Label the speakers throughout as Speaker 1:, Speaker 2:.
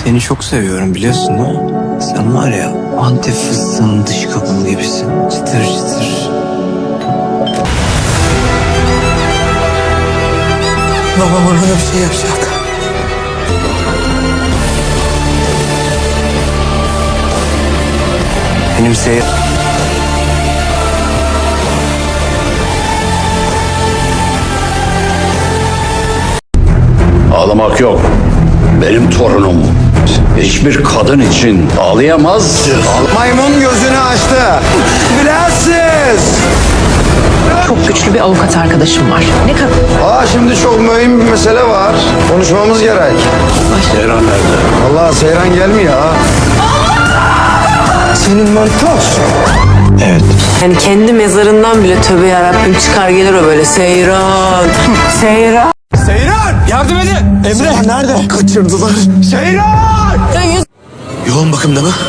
Speaker 1: Seni çok seviyorum biliyorsun değil mi? Sen var ya Antep fıstığının dış kabuğu gibisin. Çıtır çıtır. Babam bana bir şey yapacak. Benim
Speaker 2: Ağlamak yok. Benim torunum hiçbir kadın için ağlayamaz.
Speaker 3: Maymun gözünü açtı. Bilensiz.
Speaker 4: Çok güçlü bir avukat arkadaşım var. Ne kadar?
Speaker 3: Şimdi çok mühim bir mesele var. Konuşmamız gerek.
Speaker 2: Seyran nerede?
Speaker 3: Allah Seyran gelmiyor ha. Senin mantos.
Speaker 1: Evet.
Speaker 4: Yani kendi mezarından bile tövbe yarabbim çıkar gelir o böyle Seyran. Seyran.
Speaker 3: Seyran! Yardım edin! Emre! Nerede? Kaçırdılar. Seyran!
Speaker 1: Yoğun bakımda mı?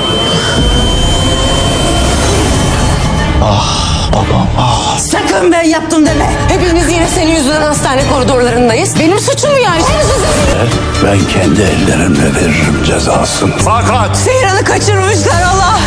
Speaker 4: Sakın ben yaptım deme. Hepimiz yine senin yüzünden hastane koridorlarındayız. Benim suçum mu yani?
Speaker 2: Ben kendi ellerimle veririm cezasını. Fakat
Speaker 4: Seyran'ı kaçırmışlar Allah.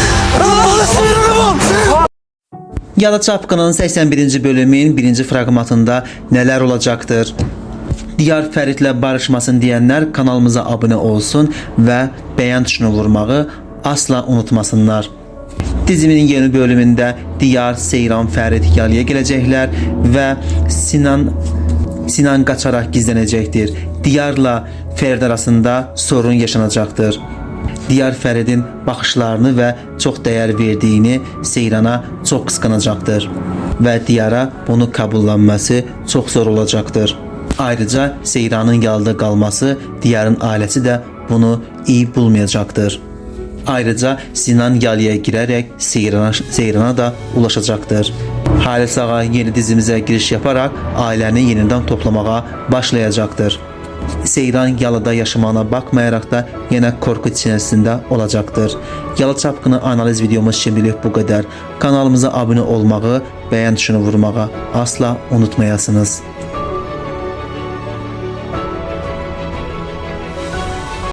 Speaker 5: Yalı Çapkının 81. bölümün 1. fragmentında neler olacaktır? Diyar Fəridlə barışmasın diyenler kanalımıza abone olsun ve beğen tuşuna vurmağı asla unutmasınlar. Diziminin yeni bölümünde Diyar, Seyran, Fərid yalıya gelecekler ve Sinan kaçarak gizlenecektir. Diyarla Fərid arasında sorun yaşanacaktır. Diyar Fəridin baxışlarını ve çok değer verdiğini Seyran'a çok kıskanacaktır. Ve Diyara bunu kabullanması çok zor olacaktır. Ayrıca Seyran'ın yalıda kalması Diyar'ın ailesi de bunu iyi bulmayacaktır. Ayrıca Sinan yalıya girerek Seyran'a da ulaşacaktır. Halis Ağa yeni dizimize giriş yaparak aileni yeniden toplamaya başlayacaktır. Seyran yalıda yaşamağına bakmayarak da yine korku içerisinde olacaktır. Yalı Çapkını analiz videomuz şimdilik bu kadar. Kanalımıza abone olmağı, beğen tuşuna vurmağı asla unutmayasınız.